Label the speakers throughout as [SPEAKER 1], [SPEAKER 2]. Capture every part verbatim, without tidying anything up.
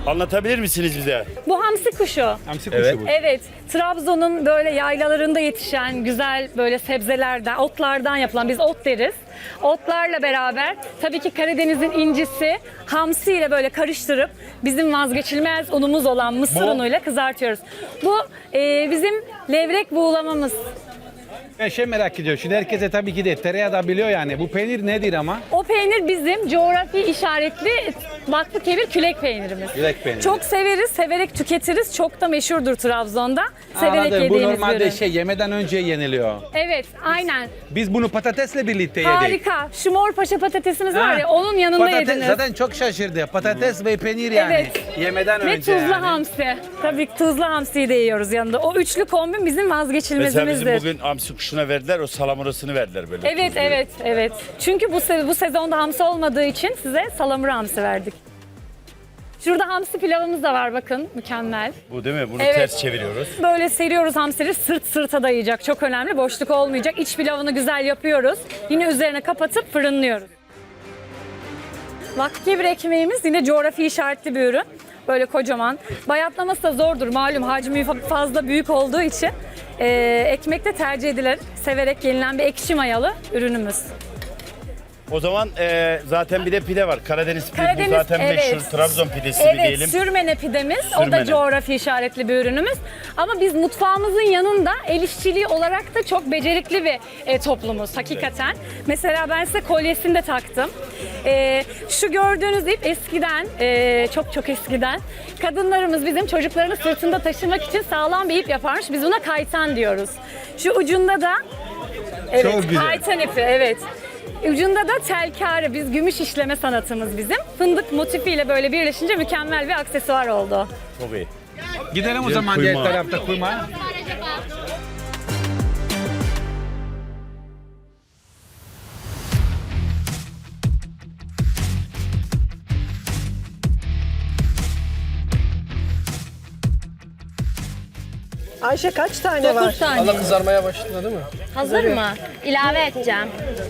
[SPEAKER 1] Anlatabilir misiniz bize?
[SPEAKER 2] Bu hamsi kuşu.
[SPEAKER 3] Hamsi kuşu
[SPEAKER 1] Evet.
[SPEAKER 3] bu.
[SPEAKER 2] Evet, Trabzon'un böyle yaylalarında yetişen güzel böyle sebzelerden, otlardan yapılan, biz ot deriz. Otlarla beraber tabii ki Karadeniz'in incisi hamsi ile böyle karıştırıp bizim vazgeçilmez unumuz olan mısır
[SPEAKER 1] Bu-
[SPEAKER 2] unuyla kızartıyoruz. Bu e, bizim levrek buğulamamız.
[SPEAKER 3] Ben şey merak ediyorum. Şimdi herkese tabii ki de tereyağı da biliyor yani. Bu peynir nedir ama?
[SPEAKER 2] O peynir bizim coğrafi işaretli Vakfıkebir külek peynirimiz.
[SPEAKER 3] Külek peyniri.
[SPEAKER 2] Çok severiz, severek tüketiriz. Çok da meşhurdur Trabzon'da. Severek
[SPEAKER 3] Anladım. Bu
[SPEAKER 2] yediğimiz bir
[SPEAKER 3] normalde
[SPEAKER 2] ürün.
[SPEAKER 3] şey yemeden önce yeniliyor.
[SPEAKER 2] Evet, aynen.
[SPEAKER 3] Biz bunu patatesle birlikte yedik.
[SPEAKER 2] Harika. Şu mor paşa patatesimiz var ya,
[SPEAKER 3] Ha.
[SPEAKER 2] onun yanında
[SPEAKER 3] Patates,
[SPEAKER 2] yediniz.
[SPEAKER 3] Zaten çok şaşırdı. Patates ve peynir yani.
[SPEAKER 2] Evet.
[SPEAKER 3] Yemeden
[SPEAKER 2] Ve
[SPEAKER 3] önce
[SPEAKER 2] tuzlu
[SPEAKER 3] yani.
[SPEAKER 2] hamsi. Tabii ki tuzlu hamsiyi de yiyoruz yanında. O üçlü kombin bizim
[SPEAKER 1] Mesela
[SPEAKER 2] vazgeçilmezimizdir.
[SPEAKER 1] bizim bugün hamsi kuşuna verdiler, o salamurasını verdiler böyle.
[SPEAKER 2] Evet,
[SPEAKER 1] tuzlu.
[SPEAKER 2] evet, evet. Çünkü bu se- bu sezonda hamsi olmadığı için size salamura hamsi verdik. Şurada hamsi pilavımız da var bakın. Mükemmel.
[SPEAKER 1] Bu değil mi? Bunu
[SPEAKER 2] Evet.
[SPEAKER 1] ters çeviriyoruz.
[SPEAKER 2] Böyle seriyoruz hamsileri, sırt sırta dayayacak. Çok önemli. Boşluk olmayacak. İç pilavını güzel yapıyoruz. Yine üzerine kapatıp fırınlıyoruz. Vakfıkebir ekmeğimiz yine coğrafi işaretli bir ürün. Böyle kocaman. Bayatlaması da zordur. Malum hacmi fa- fazla büyük olduğu için. Ee, ekmekte tercih edilen, severek yenilen bir ekşi mayalı ürünümüz.
[SPEAKER 1] O zaman e, zaten bir de pide var. Karadeniz pide
[SPEAKER 2] Karadeniz,
[SPEAKER 1] bu zaten
[SPEAKER 2] evet.
[SPEAKER 1] meşhur. Trabzon pidesi mi
[SPEAKER 2] Evet,
[SPEAKER 1] diyelim.
[SPEAKER 2] sürmene pidemiz. O da
[SPEAKER 1] Sürmene.
[SPEAKER 2] coğrafi işaretli bir ürünümüz. Ama biz mutfağımızın yanında el işçiliği olarak da çok becerikli bir e, toplumuz hakikaten. Mesela ben size kolyesini de taktım. E, şu gördüğünüz ip eskiden, e, çok çok eskiden kadınlarımız bizim çocuklarını sırtında taşımak için sağlam bir ip yaparmış. Biz buna kaytan diyoruz. Şu ucunda da evet,
[SPEAKER 3] Çok güzel.
[SPEAKER 2] kaytan ipi, evet. Ucunda da telkare, biz gümüş işleme sanatımız bizim. Fındık motifiyle böyle birleşince mükemmel bir aksesuar oldu.
[SPEAKER 1] Çok iyi.
[SPEAKER 3] Gidelim o
[SPEAKER 1] Güzel
[SPEAKER 3] zaman diğer
[SPEAKER 1] kuyma.
[SPEAKER 3] tarafta kuyma.
[SPEAKER 4] Ayşe kaç tane var?
[SPEAKER 5] Allah kızarmaya başladı değil mi?
[SPEAKER 2] Hazır mı? İlave edeceğim.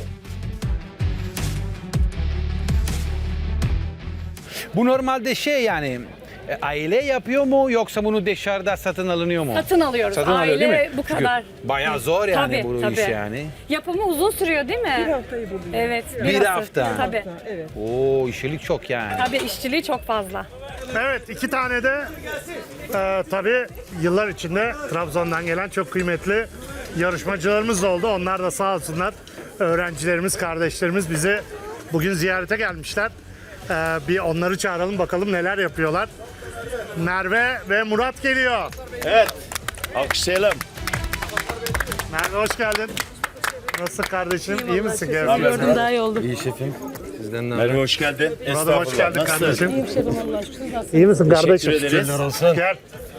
[SPEAKER 3] Bu normalde şey yani e, aile yapıyor mu yoksa bunu dışarıda satın alınıyor mu?
[SPEAKER 2] Satın alıyoruz.
[SPEAKER 3] Satın alıyor
[SPEAKER 2] Aile
[SPEAKER 3] değil mi?
[SPEAKER 2] bu
[SPEAKER 3] Çünkü
[SPEAKER 2] kadar.
[SPEAKER 3] bayağı zor yani
[SPEAKER 2] Tabii,
[SPEAKER 3] bu
[SPEAKER 2] tabii.
[SPEAKER 3] iş yani.
[SPEAKER 2] Yapımı uzun sürüyor değil mi?
[SPEAKER 4] Bir haftayı buluyor.
[SPEAKER 2] Evet.
[SPEAKER 3] Bir
[SPEAKER 2] hafta.
[SPEAKER 3] hafta.
[SPEAKER 2] Tabii.
[SPEAKER 4] Evet.
[SPEAKER 3] Oo işçilik çok yani.
[SPEAKER 2] Tabii işçiliği çok fazla.
[SPEAKER 6] Evet, iki tane de e, tabii yıllar içinde Trabzon'dan gelen çok kıymetli yarışmacılarımız da oldu. Onlar da sağ olsunlar, öğrencilerimiz, kardeşlerimiz bizi bugün ziyarete gelmişler. E, bir onları çağıralım bakalım neler yapıyorlar. Merve ve Murat geliyor.
[SPEAKER 1] Evet. Alkışlayalım.
[SPEAKER 6] Merve hoş geldin. Nasılsın kardeşim? İyi misin? Gel.
[SPEAKER 2] Gördüm daha iyi oldu.
[SPEAKER 5] İyi şefim. Sizden ne
[SPEAKER 1] Merve hoş geldin.
[SPEAKER 6] Murat'ım hoş geldin
[SPEAKER 1] Nasılsın?
[SPEAKER 6] kardeşim. İyi misin kardeşim?
[SPEAKER 1] Teşekkür ederiz.
[SPEAKER 5] olsun.
[SPEAKER 6] Gel.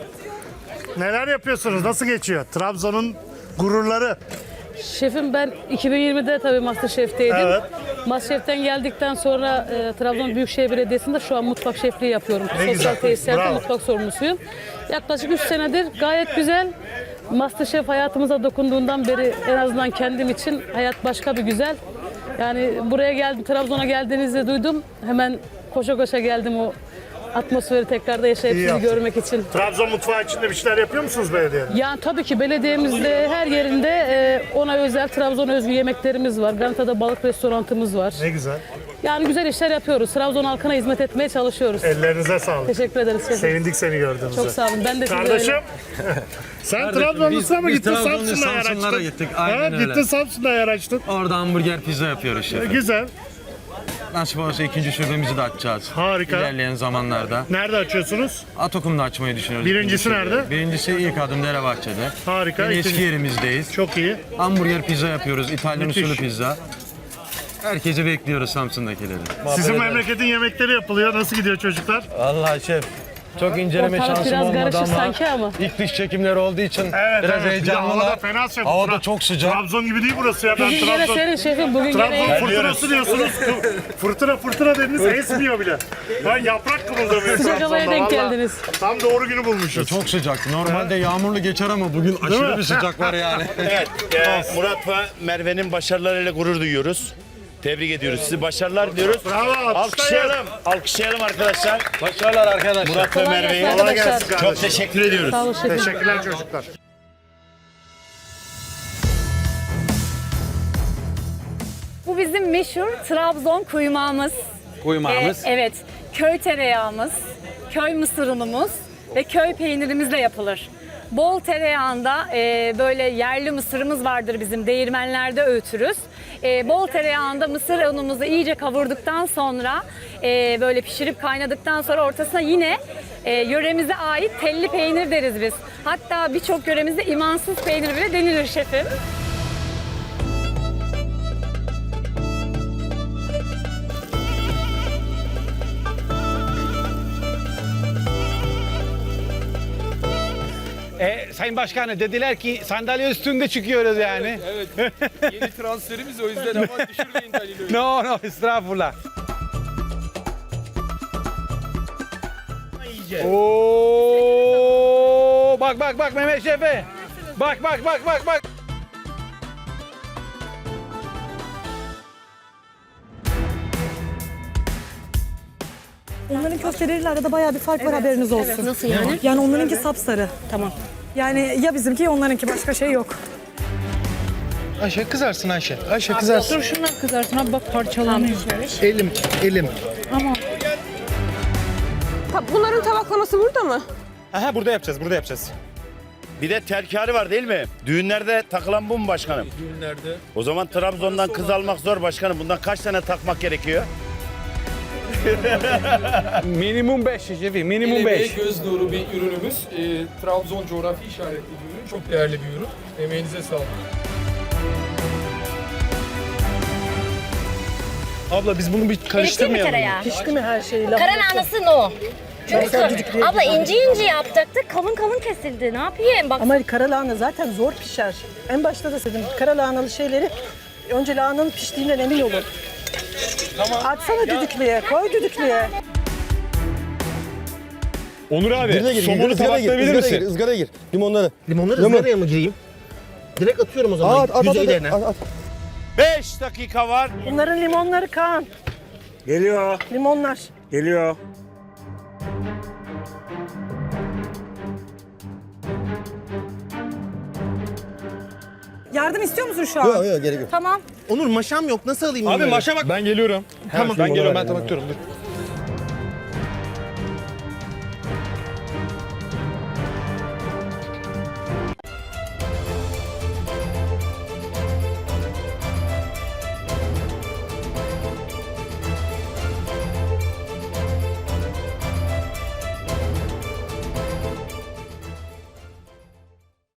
[SPEAKER 6] Neler yapıyorsunuz? Nasıl geçiyor? Trabzon'un gururları.
[SPEAKER 7] Şefim ben iki bin yirmide tabii Masterchef'teydim.
[SPEAKER 6] Evet.
[SPEAKER 7] Masterchef'ten geldikten sonra e, Trabzon Büyükşehir Belediyesi'nde şu an mutfak şefliği yapıyorum.
[SPEAKER 6] Ne güzel.
[SPEAKER 7] Sosyal tesislerde
[SPEAKER 6] Bravo.
[SPEAKER 7] mutfak sorumlusuyum. Yaklaşık üç senedir gayet güzel. Masterchef hayatımıza dokunduğundan beri en azından kendim için hayat başka bir güzel. Yani buraya geldim, Trabzon'a geldiğinizde duydum. Hemen koşa koşa geldim o atmosferi tekrarda yaşayıp
[SPEAKER 6] İyi
[SPEAKER 7] sizi
[SPEAKER 6] yaptın.
[SPEAKER 7] görmek için.
[SPEAKER 6] Trabzon mutfağı içinde bir şeyler yapıyor musunuz belediyede?
[SPEAKER 7] Yani tabii ki belediyemizde her yerinde e, ona özel Trabzon özgü yemeklerimiz var. Ganata'da balık restorantımız var.
[SPEAKER 6] Ne güzel.
[SPEAKER 7] Yani güzel işler yapıyoruz. Trabzon halkına hizmet etmeye çalışıyoruz.
[SPEAKER 6] Ellerinize sağlık.
[SPEAKER 7] Teşekkür ederiz şefim.
[SPEAKER 6] Sevindik seni gördüğümüzde.
[SPEAKER 7] Çok sağ olun. Ben de size
[SPEAKER 6] Kardeşim,
[SPEAKER 7] öyle.
[SPEAKER 6] sen Trabzonlusun ama
[SPEAKER 5] biz
[SPEAKER 6] gittin
[SPEAKER 5] Trabzonlu
[SPEAKER 6] Samsun'da yer
[SPEAKER 5] Samsunlara
[SPEAKER 6] açtın.
[SPEAKER 5] gittik, aynen
[SPEAKER 6] Ha,
[SPEAKER 5] öyle.
[SPEAKER 6] Gittin Samsun'da yer açtın.
[SPEAKER 5] Orada hamburger pizza yapıyoruz şefim.
[SPEAKER 6] Güzel.
[SPEAKER 5] Nasip olursa ikinci şubemizi de açacağız.
[SPEAKER 6] Harika.
[SPEAKER 5] İlerleyen zamanlarda.
[SPEAKER 6] Nerede açıyorsunuz?
[SPEAKER 5] Atokum'da açmayı düşünüyoruz.
[SPEAKER 6] Birincisi
[SPEAKER 5] ikinci şube.
[SPEAKER 6] nerede?
[SPEAKER 5] Birincisi ilk adım Derebahçe'de.
[SPEAKER 6] Harika.
[SPEAKER 5] Yine eski
[SPEAKER 6] İkinci-
[SPEAKER 5] yerimizdeyiz.
[SPEAKER 6] Çok iyi.
[SPEAKER 5] Hamburger pizza yapıyoruz. İtalyan
[SPEAKER 6] Müthiş.
[SPEAKER 5] usulü pizza. Herkesi bekliyoruz Samsun'dakileri.
[SPEAKER 6] Sizin memleketin yemekleri yapılıyor. Nasıl gidiyor çocuklar?
[SPEAKER 5] Vallahi şef. Çok inceleme
[SPEAKER 7] Ortalık
[SPEAKER 5] şansım
[SPEAKER 7] biraz
[SPEAKER 5] olmadı
[SPEAKER 7] karışık
[SPEAKER 5] ama,
[SPEAKER 7] sanki ama.
[SPEAKER 5] ilk dış çekimleri olduğu için
[SPEAKER 6] Evet,
[SPEAKER 5] biraz
[SPEAKER 6] evet. Bir de havada
[SPEAKER 5] heyecanlılar.
[SPEAKER 6] fena şey.
[SPEAKER 5] Havada
[SPEAKER 6] Tra-
[SPEAKER 5] çok sıcak.
[SPEAKER 6] Trabzon gibi değil burası ya. Ben
[SPEAKER 7] Bugün gene
[SPEAKER 6] Trabzon...
[SPEAKER 7] senin şefim. Bugün
[SPEAKER 6] Trabzon
[SPEAKER 7] gene
[SPEAKER 6] fırtınası diyorsunuz. fırtına fırtına dediniz esmiyor bile. Ben yaprak kımıldamıyor
[SPEAKER 7] Sıcak
[SPEAKER 6] Trabzon'da.
[SPEAKER 7] havaya denk
[SPEAKER 6] vallahi.
[SPEAKER 7] geldiniz.
[SPEAKER 6] Tam doğru günü bulmuşuz.
[SPEAKER 5] Çok sıcak. Normalde yağmurlu geçer ama bugün
[SPEAKER 6] mi?
[SPEAKER 5] aşırı bir sıcak var yani.
[SPEAKER 1] Evet. e, Murat ve Merve'nin başarılarıyla gurur duyuyoruz. Tebrik ediyoruz. Sizi başarılar diliyoruz.
[SPEAKER 6] Bravo, alkışlayın.
[SPEAKER 1] Alkışlayalım. Alkışlayalım arkadaşlar.
[SPEAKER 3] Başarılar arkadaşlar.
[SPEAKER 1] Murat ve
[SPEAKER 7] Kolay
[SPEAKER 1] Merve'yi.
[SPEAKER 7] gelsin
[SPEAKER 6] Kolay
[SPEAKER 7] arkadaşlar.
[SPEAKER 6] gelsin
[SPEAKER 1] Çok
[SPEAKER 6] kardeşim.
[SPEAKER 1] teşekkür ediyoruz.
[SPEAKER 7] Sağ olun şefim.
[SPEAKER 6] Teşekkürler çocuklar.
[SPEAKER 2] Bu bizim meşhur Trabzon kuymağımız.
[SPEAKER 3] Kuymağımız.
[SPEAKER 2] Ee, evet, köy tereyağımız, köy mısır unumuz ve köy peynirimizle yapılır. Bol tereyağında e, böyle yerli mısırımız vardır bizim, değirmenlerde öğütürüz. E, bol tereyağında mısır unumuzu iyice kavurduktan sonra e, böyle pişirip kaynadıktan sonra ortasına yine e, yöremize ait telli peynir deriz biz. Hatta birçok yöremizde imansız peynir bile denilir şefim.
[SPEAKER 3] E, Sayın Başkanım dediler ki sandalye üstünde çıkıyoruz yani.
[SPEAKER 8] Evet. Yeni transferimiz o yüzden ama düşürmeyin Halil'i.
[SPEAKER 3] No no estağfurullah. Oo, bak bak bak Mehmet Şef'e. Bak bak bak bak bak.
[SPEAKER 9] Onların köfteleriyle arada bayağı bir fark var, haberiniz olsun.
[SPEAKER 2] Nasıl yani?
[SPEAKER 9] Yani onlarınki sapsarı. Tamam. Yani ya bizimki ya onlarınki, başka şey yok.
[SPEAKER 8] Ayşe kızarsın Ayşe. Ayşe kızarsın.
[SPEAKER 7] Dur şundan kızarsın abi, bak parçalanıyor.
[SPEAKER 8] Elim, elim.
[SPEAKER 4] Bunların tabaklaması burada mı?
[SPEAKER 5] Aha burada yapacağız, burada yapacağız.
[SPEAKER 1] Bir de terkari var değil mi? Düğünlerde takılan bu mu başkanım?
[SPEAKER 8] Düğünlerde.
[SPEAKER 1] O zaman Trabzon'dan kız almak zor başkanım. Bundan kaç tane takmak gerekiyor?
[SPEAKER 3] Minimum beş şefi, minimum
[SPEAKER 8] El
[SPEAKER 3] beş.
[SPEAKER 8] emeği göz nuru bir ürünümüz. Ee, Trabzon coğrafi işaretli bir ürün. Çok değerli bir ürün. Emeğinize sağlık. Abla biz bunu bir karıştırmayalım.
[SPEAKER 10] tereyağı.
[SPEAKER 4] Pişti mi her şeyi?
[SPEAKER 10] Karalahanası no. Çünkü abla ince ince yaptık, kalın kalın kesildi. Ne yapayım? Bak
[SPEAKER 4] Ama karalahana zaten zor pişer. En başta da dedim, karalahanalı şeyleri önce lahananın piştiğinden emin olun. Tamam. Atsana düdüklüye, koy düdüklüye.
[SPEAKER 5] Onur abi, somonu tabaklayabilir misin?
[SPEAKER 11] Izgaraya gir. Limonları.
[SPEAKER 12] Limonları ızgaraya mı gireyim? Direkt atıyorum o zaman
[SPEAKER 11] At, at, at,
[SPEAKER 12] yüzeylerine.
[SPEAKER 11] at, at.
[SPEAKER 1] beş dakika var.
[SPEAKER 4] Bunların limonları Kaan.
[SPEAKER 12] Geliyor,
[SPEAKER 4] Limonlar.
[SPEAKER 12] geliyor.
[SPEAKER 9] Yardım istiyor musun şu an?
[SPEAKER 11] Yok yok gerek yok.
[SPEAKER 9] Tamam.
[SPEAKER 12] Onur maşam yok, nasıl alayım
[SPEAKER 5] Abi
[SPEAKER 12] bunları?
[SPEAKER 5] maşa bak. Ben geliyorum. Tamam. Ben geliyorum, ben tabaklıyorum. Dur.